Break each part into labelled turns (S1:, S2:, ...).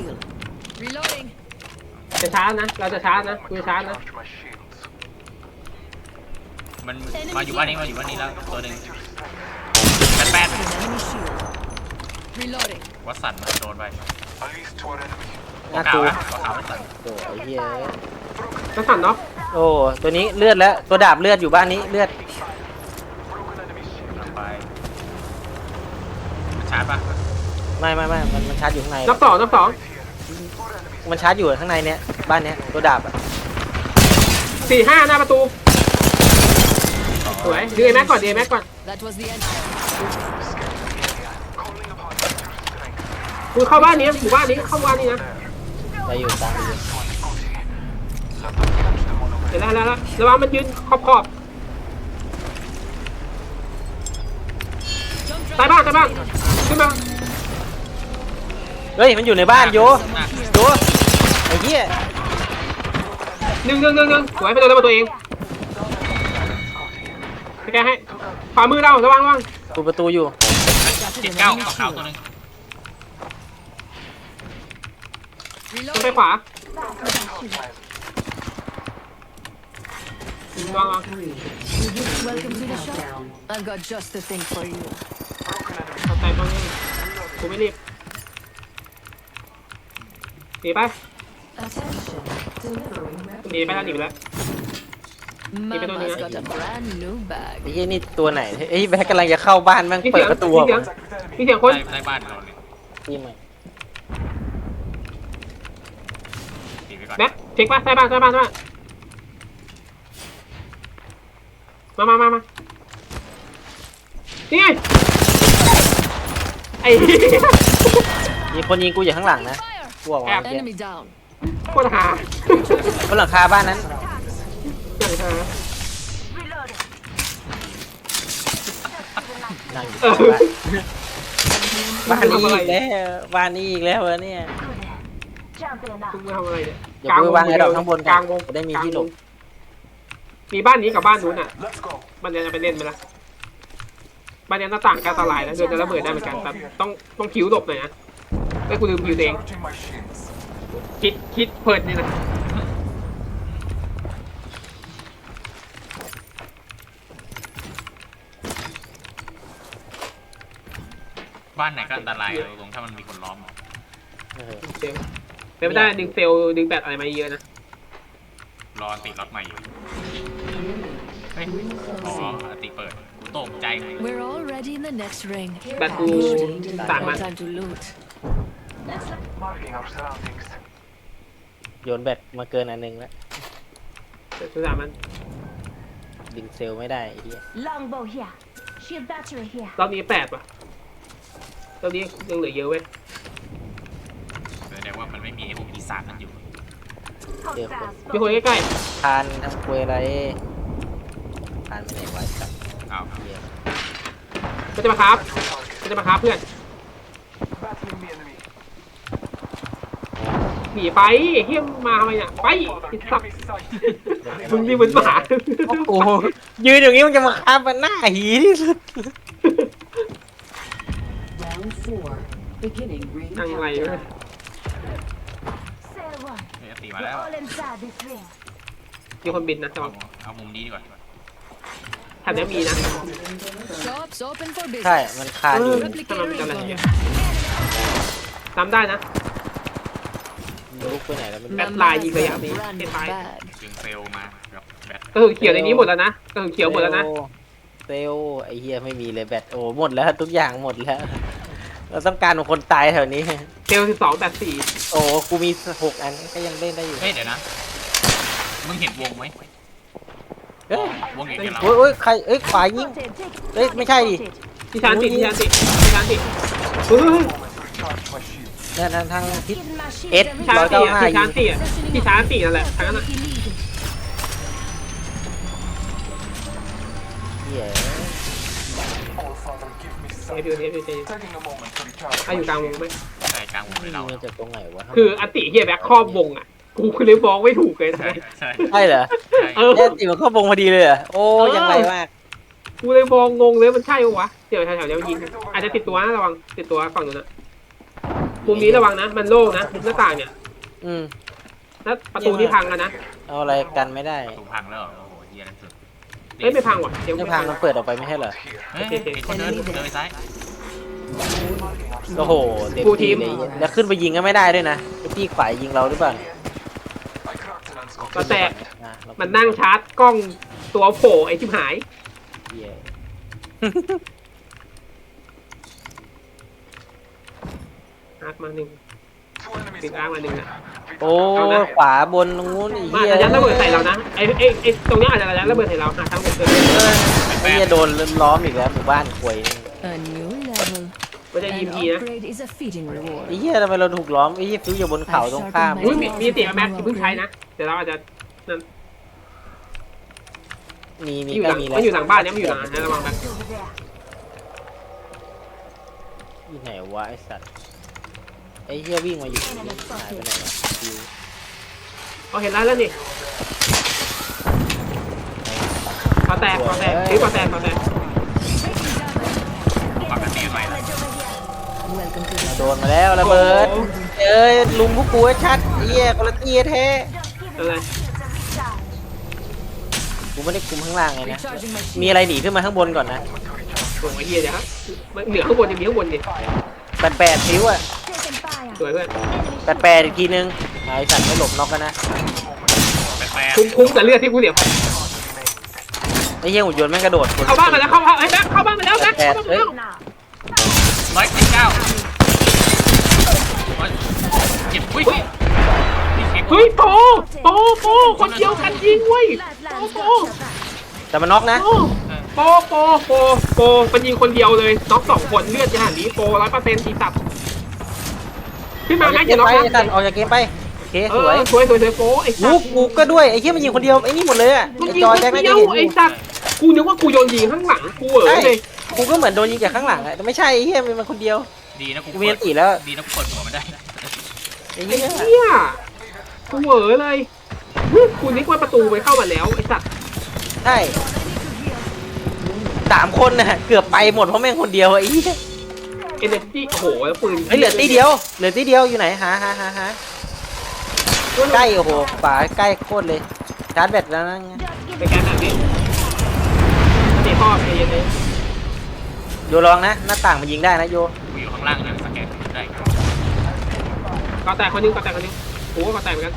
S1: shield. Reloading.
S2: จะชาร์จนะเราจะชาร์จนะกูจะชาร์จนะ
S3: มันมาอยู่บ้านนี้แล้วตัวหนึ่งแปด
S1: Enemy shield. Reloading.
S3: วัดสันมันโดนไป
S4: น่า
S3: ขาก
S4: ลั
S3: ว
S4: ว
S3: นะขาววัดสัน
S4: โอ้ไอ้เหี้ย
S2: จะสั่นเนาะ
S4: โอ้ตัวนี้เลือดแล้วตัวดาบเลือดอยู่บ้านนี้เลือด
S3: ลงไปมันชาร์จปะ
S4: ไม่มันชาร์จอยู่ข้างใน
S2: นับสอง
S4: มันชาร์จอยู่ข้างในเนี้ยบ้านเนี้ยตัวดาบอะ
S2: 4-5หน้าประตูสวยดีแม็กก่อน
S1: That was the end.
S2: กูเข้าบ้านนี้หมู่บ้านนี้เข้าบ้านนี้นะ
S4: ไปอยู่ตามไปอยู่
S2: เดี๋ยวแล้วระวังมันยืนขอบ
S1: Jump
S2: ใต้
S1: drive.
S2: บ้านขึ้นมา
S4: เฮ้ยมันอยู่ในบ้านโยไอ้เหี้ย
S2: หนึ่งสวยไปโดนระเบิดตัวเองไปแกให้ขวามือเราระวัง
S4: ตูประตูอยู่
S3: 79ขาวตัวหนึง
S2: ต้องไป
S1: Reloading.
S2: ขวาระวัง
S1: Welcome to the shop. I've got just the thing for you.
S2: เข้าใจตรงนี้กูไม่รีบหนีไปหนีไปแล้ว
S1: Mama's got a brand new bag.
S4: ไอ้เหี้ยนี่ตัวไหนไอ้แบ็คกำลังจะเข้าบ้านแม่ง
S2: มี
S4: เปิ
S2: เสี
S4: ด
S2: ยง
S4: ประตู
S2: มีเสียงคน
S3: ในบ้านเราเลย
S4: ที่ใหม่
S3: ตีไปก่อน
S2: แม็กเช็คป่ะใต้บ้านมานี่ไงไอ้
S4: มีคนยิงกูอยู่ข้างหลังนะ
S1: Fire.
S4: กูบอกว่าเมื่อกี้
S1: Enemy down.
S2: โคตรหา
S4: บนหลังคาบ้านนั้น
S2: อย่างหา
S4: นั่งอยู่
S2: เออ
S4: บ้านนี้อีกแล้วบ้านนี้อีกแล้วเหรอเนี่ย
S2: มึงทำอะไรเนี่ย
S4: เดี๋ยวกูวางไอ้ดอกข้างบน
S2: กลางวง
S4: จะได้มีที่หลบ
S2: มีบ้านนี้กับบ้านนู้นอ่ะบ้านนี้จะไปเล่นไปละบ้านนี้หน้าต่างการสลายแล้วเดินจะระเบิดได้เหมือนกันแต่ต้องคิวหลบหน่อยนะแล้วกูลืมคิวตัวเองคิดเพลินนี่นะ
S3: บ้านไหนก็อันตรายตรงถ้ามันมีคนล้อม
S4: เออ
S2: เซลเป็นไม่ได้ดึงเซลล์ดึงแบตอะไรมาเยอะนะ
S3: รอติดรถใหม่อยู่เฮ้ยอ๋อติเปิดกูตกใจ
S1: We're already in the next ring.
S2: แบตกูต่างมัน
S1: Time to loot.
S4: โยนแบตมาเกินอันนึงแล้ว
S2: แต่สุดท้ายมัน
S4: ดึงเซลล์ไม่ได้ไอ้เหี้ย
S5: Longbow here. Shield battery here.
S2: รอบนี้8 ว่ะรอบนี้ยังเหลือเยอะเว้ย
S3: แสดงว่ามันไม่มีไอ้พวกปีศาจนั่นอยู่
S4: เจอคน
S2: มีคนใกล้
S4: ทานทำควยอะไรทานไปไหนวะสัตว์
S3: อ้าว
S4: เหี้ย
S2: ๆมันจะมาครับเพื่อนหนีไปเฮี้ยมมาทำไมเนี่ยไปไอ้สัตว์มึงนี่เหมือนหมา
S4: โอ้โหยืนอย่างนี้มันจะมาฆ่ามันหน้าหีที่สุด
S6: Round 4. Beginning ring
S2: นั่งไรเว้ย
S6: countdown.
S5: Sail one.
S3: เฮ้ยตีมา
S5: We're
S3: แล้ว
S5: all inside this ring.
S2: มีคนบินนะแต่
S3: เอามุมนี้ดีกว่า
S2: แถวนี้มีนะ
S1: Shops open for
S4: ใช่
S1: business.
S4: มันคาอยู่
S2: ถ้ามัน
S1: Replicator
S2: จะอะไร
S1: incoming.
S2: เงี้ยจำได้นะ
S4: ลุกไปไหนแล้วมัน
S2: แบ
S4: แบบ
S2: ตลายยิงระยะ
S1: Mama's
S2: นี้
S1: brand
S2: เก็
S1: new
S2: บไป
S1: bag.
S3: ดึงเซลมากับแบต
S2: กระสุนเขียวในนี้หมดแล้วนะกระสุนเขียวหมดแล้วนะ
S4: เซลลไอ้เหี้ยไม่มีเลยแบตโอ้หมดแล้วทุกอย่างหมดแล้ว เราต้องการคนตายแถวนี้
S2: เซลล์12แบต4
S4: โอ้กูมี6 อันก็ยังเล่นได้อยู่
S3: เฮ้ยเดี๋ยวนะมึงเห็นวงไหม
S4: เฮ้ยว
S3: งเห็นกับเรา
S4: โอ้ยใครเอ้ยขวายิง
S5: Spotted. Take.
S4: เอ้ยไม่ใช่ดิ
S5: Spotted.
S2: ที่ชานติเฮ้ย
S4: เนี่ยทางทิศ
S5: Hidden my shield.
S4: Ed.
S5: and
S2: ที่ชานติอ่ะที่ชานติอ่ะที่ชานตินั่นแหละทางนั้นอ่ะ
S5: Sneaky lead.
S4: เหี้ย
S2: เอฟยูถ้าอยู่กลางวงไหม
S3: ใช่กลางวงเลยเรา
S4: ยิงมาจากตรงไหนวะ
S2: คืออติเฮียแบ็คครอบวงอ่ะกูคือเลยมองไม่ถูกเลยนะ
S3: ใช่ใช่
S4: ใช่เหรอ
S3: ใช่
S2: เออ
S4: แค่ติมันเข้าวงพอดีเลยเหรอโอ้ยังไงมาก
S2: กูเลยมองงงเลยมันใช่ปะวะเดี๋ยวแถวๆเนี้ยมันยิงอาจจะติดตัวนะระวังติดตัวฝั่งนู้นนะวมุมนี้ระวังนะมันโล่งนะมุมหน้าต่างเนี่ย
S4: อืม
S2: แล้วประตูนี่พังแล้วนะ
S4: เอาอะไรกันไม่ได้
S3: ประตูพังแล้วเหรอโอ้โหเฮียนั่นสุด
S2: เอ้ยไม่พังว่ะเดี๋ยว
S4: ไม่
S2: ไม่
S4: พั
S2: พั
S4: ง
S2: ง
S4: มันเปิดออกไปไม่ใช่เหรอ
S3: เฮ้ยไอ้คนเดินไปซ้าย
S4: โอ้โหเต็มที่เลยแล้วขึ้นไปยิงก็ไม่ได้ด้วยนะไอ้ที่ขวายยิงเราหรือเปล่า
S2: ก็แต่
S4: อ่ะเรา
S2: มันนั่งชาร์จกล้องตัวโผล่ไอ้ชิบหาย
S4: เหี้ย
S2: อาร์คมาหนึ่งปิดอาร์คมาหนึ่งนะ
S4: โอ้ขวาบนตรงนู้นไอ้
S2: มา
S4: เหี้ย
S2: อาจจะยัดระเบิดใส่เรานะไอ้ตรงเนี้ยอาจจะยัดระเบิดใส่เราหาทางหมดเลย
S4: ไอ้เหี้ยโดนล้อมอีกแล้วหมู่บ้านควย
S1: A new level.
S2: มันจะยิ
S1: An
S2: มพีนะ
S1: upgrade is a feeding
S4: ไอ้
S1: reward.
S4: เหี้ยทำไมเราถูกล้อมไอ้เหี้ยฟิวอยู่บนเขาตรงข้าม
S2: อุ้ยมีเสียงแม็กซ์เพิ่งใช้นะเดี๋ยวเราอาจจะนั่น
S4: มี
S2: มันอยู่
S4: ใก
S2: ห
S4: ล้
S2: ลัง
S4: มีแล้ว
S2: มันอยู่หลังบ้านเนี่ยมันอยู่หลังนะระวังนะ
S5: Over there.
S4: ที่ไหนวะไอ้สัตว์ไอ้เหี้ยวิ่งมาอยู่ตรงนี้หายไปไหนวะฟิว
S2: เอาเห็นแล้วนี่ปอแตกถือปอแตก
S3: ปกติใหม่ละ
S1: Welcome to the
S4: โดนมาแล้วระเบิด
S2: โอ้โห
S4: เอ้ยลุงพวกกูให้ชัดไอ้เหี้ยคนละตีแท้
S5: Just give
S2: อะไร
S5: it a recharge.
S4: กูไม่ได้คุมข้างล่างเลยนะ
S1: recharging my
S4: มี
S1: shield.
S4: อะไรหนีขึ้นมาข้างบนก่อนนะ
S2: โอ้ยเฮียเดี๋ยวครับเหนือข้างบนจะมีข้างบนดิ
S4: 88ฟิวอะ
S5: Taking fire.
S2: สวยเพื่อน
S4: 88อีกทีนึงไอ้สัตว์ไม่หลบน็อกกันนะ
S3: แปลก
S2: คุ้มแต่เลือดที่กูเสียไป
S4: ไอ้เหี้ยหุ่นยนต์แม่งกระโดด
S2: เข้าบ้านมาแล้วเข้าบ้านเอ้ยแม็กเข้าบ้านมาแล้วแม็กเข้าบ้านมาแล้ว
S5: Now.
S3: 119เจ็บอุ้ยนี่เช็ค
S2: เฮ้ยโปคนเดียวกันยิงเว้ย
S5: Lifelines
S2: Oh,
S5: got your back.
S4: แต่มันน็อกนะ
S2: โปมันยิงคนเดียวเลยน็อก2 คนเลือดจะหันนี้โป100%ตีตับขึ้นมา
S4: ออก
S2: แม็
S4: จาก
S2: ก
S4: เก
S2: อย่าม น็อกนะ
S4: ไปไอ้สัตว์ออกจากเกมไปโอเคสวย
S2: สวยโปไอ้สั
S4: ลู
S2: ต
S4: ก
S2: ว์
S4: กูก็ด้วยไอ้เหี้ยมันยิงคนเดียวไอ้นี่หมดเลยอะ
S2: มัน
S4: ไอ้
S2: ยิง
S4: จ
S2: ค
S4: อย
S2: น
S4: แจ็คน่า
S2: เดี
S4: จะ
S2: ยว
S4: เห็นอ
S2: ไอ้
S4: ยู่
S2: สัตว์กูนึกว่ากูโดนยิงข้างหลังกูเหรอเลย
S4: กูก็เหมือนโดนยิงจากข้างหลังอะแต่ไม่ใช่ไอ้เหี้ยมันคนเดียว
S3: ดีนะกู
S4: กูมีอันตีแล้ว
S3: ดีนะกูเปิดหัวมันได้
S4: ไอ้เหี้ย
S2: เฮียกูเหวอเลยกูนึกว่าประตูไปเข้ามาแล้วไอ้สัตว์
S4: ใช่3 คนน่ะเกือบไปหมดเพราะแม่งคนเดียวไอ้เหี้ย
S2: เอเนจีโอ้โหแล้วปืน
S4: เฮ้ยเหลือตีเดียวอยู่ไหนหาใกล้โอ้โหฝาใกล้โคตรเลยชาร์จแบตแล้วนะ
S2: ไปแกนแบบนี้เดี๋ยวพ่อใจเย็นเลย
S4: โยลองนะหน้าต่างมันยิงได้นะโย
S3: กูอยู่ข้างล่างเนี่ยสแกนได้
S2: ก็แตกคนนึงโอ้ก็แตกเหมือนกัน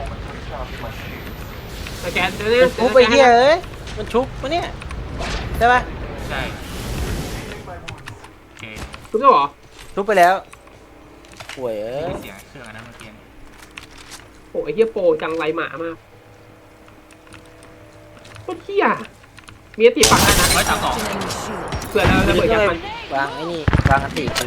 S2: สแกนเดี๋ยว
S4: มันชุบไปเหี้ยเอ้ยมันชุบปะเนี่ยใช่ปะ
S3: ใช่โอเค
S2: ชุบแล้วเหรอ
S4: ชุบไปแล้วป่วยเอ้ย
S3: เสียงเครื่องอันนั้นเมื่อกี้
S2: โอ้ไอ้เหี้ยโปจังไรหมามากโคตรเหี้ยมีตีปักได้นะ
S3: 132
S1: enemy shield.
S2: เผื่อเราจะเปิดยัดมัน
S4: วางไอ้นี่วางอันติไปเลย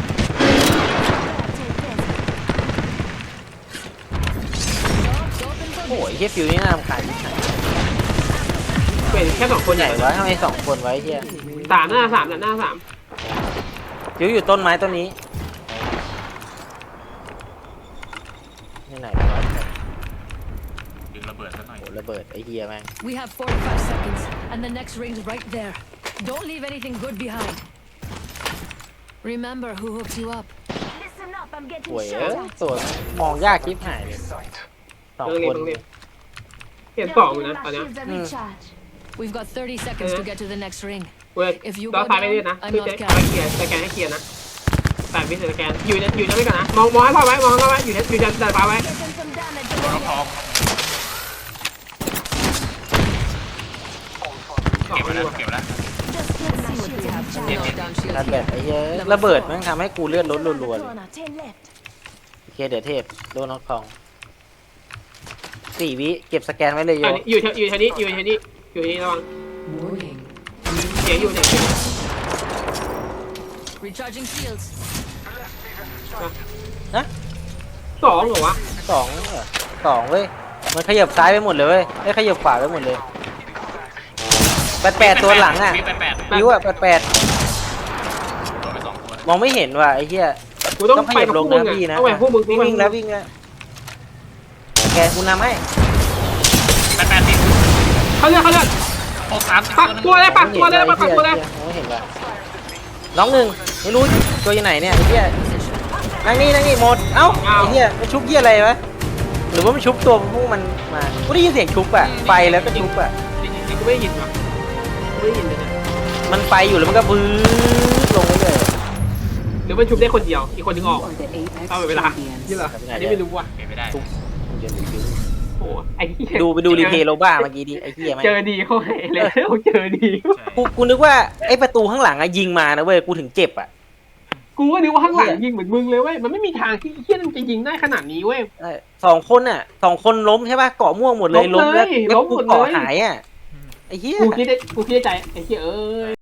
S5: Take this.
S4: โอ้ยเฮียฟิวนี่น่ารำคาญที่ไหน
S2: เป็นแค่2 คน
S4: ให
S2: ให
S4: ญ่
S2: ญ่
S4: วะทำไม2 คนไว้เฮีย
S2: 3หน้า3
S4: ฟิวอยู่ต้นไม้ต้นนี้ที่ไหนวะ
S3: ดึงระเบิดซะหน่อย
S4: โอ้ระเบิดไอ้เฮียแม่ง
S1: We have 45 seconds, and the next ring's right there. Don't leave anything good behind. Remember who hooked you up.
S5: Listen up, I'm getting
S4: ป่วย
S5: shot
S4: เอ้ย
S5: at.
S4: ตัวมองยากคลิปหายเลยสอง
S2: ต้อง
S4: ค
S2: เรียน
S4: น
S2: ต้องเรียนเห็น
S5: Just
S2: 2
S5: giving
S2: นะ
S5: my
S2: ตอนเนี้ย
S5: shields a recharge.
S1: We've got 30 seconds to get to the next ring.
S2: เว้ย
S1: If you
S2: เรา
S1: go
S2: ซ้ายไปเรื่อย
S1: down,
S2: นะ
S1: I'm
S2: คือ
S1: not
S2: จะ
S1: counting.
S2: เคลียร์สแกนให้เคลียร์นะแต่วิสแกนอยู่จะไม่ก่อนนะมองให้พ่อไว้อยู่จะดันฟ้าไว้
S5: Getting some damage
S3: ร
S5: over
S3: ถทอง
S2: 2
S3: เก็บไว้แล้วเก็บไว้แล้ว
S5: Just giving my
S1: See what
S5: shields
S1: we
S5: a
S1: have.
S5: recharge.
S1: Knock down
S4: ชาร์จ
S1: shield
S4: แบต
S1: here.
S4: ไอ้เฮียระเบิดแม่งทำให้กูเลือดลด
S5: Around
S4: รัว
S5: the
S4: ๆเลย
S5: corner, 10 left.
S4: โอเคเดี๋ยวเทพโดนน็อกทอง4 วิเก็บสแกนไว้เลยโย
S2: อยู่แถวนี้ระวัง
S6: Warning.
S2: เสียงอยู่เนี่ย
S1: Recharging shields.
S4: นะ
S2: 2เหรอวะ
S4: 2เว้ยมันขยับซ้ายไปหมดเลยเว้ยไม่ขยับขวาไปหมดเลย88ตัวหลังอ่ะ
S3: มี88
S4: ฟิวอ่ะ88
S3: โดนไป2ตัว
S4: มองไม่เห็นว่ะไอ้เหี้ย
S2: กูต้อง
S4: ต้องข
S2: ไป
S4: ยับ
S2: กับ
S4: ล
S2: พว
S4: ง
S2: กมึ
S4: นะ
S2: ง
S4: พี่
S2: อ่ะ
S4: นะ
S2: ต้องไปพวกมึง
S4: วิ่งแล้วแกกูนำให้
S3: 88ติด
S2: เขาเลือก
S3: 63
S2: ปักตัวเลยปักตัวเลย
S4: ม
S2: ปักตัวเลย
S4: องไม่เห็นว่ะน้องหนึ่งไม่รู้ตัวอยู่ไหนเนี่ยไอ้เหี้ย
S1: Position.
S4: นั่งนี่หมดเอ้าไอ้เหี้ยมันชุบเหี้ยอะไรวะหรือว่ามันชุบตัวพวกมันมากูได้ยินเสียงชุบอะไฟแล้วก็ชุบอะ
S2: จริงๆกูไม่ได้ยินหรอกกูไม่ได้ยินเลยนะ
S4: มันไฟอยู่แล้วมันก็บื้อลงไปเลย
S2: หรือมันชุบได้คนเดียวอีกคนนึงออก
S6: You are the Apex
S2: เอาเวลา
S6: champions.
S2: นี่เหรออันนี้ไม่รู้ว่ะ
S3: เป็นไม่ได้
S2: โอ้ไอ้เหี้ย
S4: ไปดูรีเพลย์โลบ้าเมื่อกี้ดิไอ้เหี้ยแม่ง
S2: เจอดีเขาให้เลยเจอดี
S3: ใช่
S4: กูนึกว่าไอ้ประตูข้างหลังอะยิงมานะเว้ยกูถึงเจ็บอะ
S2: กูก็นึกว่าข้างหลังยิงเหมือนมึงเลยเว้ยมันไม่มีทางที่เฮี้ยมันจะยิงได้ขนาดนี้เว้ย
S4: สองคนล้มใช่ป่ะเกาะม่วงหมดเลย
S2: ล้มเลย
S4: แล้ว
S2: ล้มหมดเลย
S4: เกาะหายอะไอ้เหี้ย
S2: กูคิดได้ใจไอ้เหี้ยเอ้ย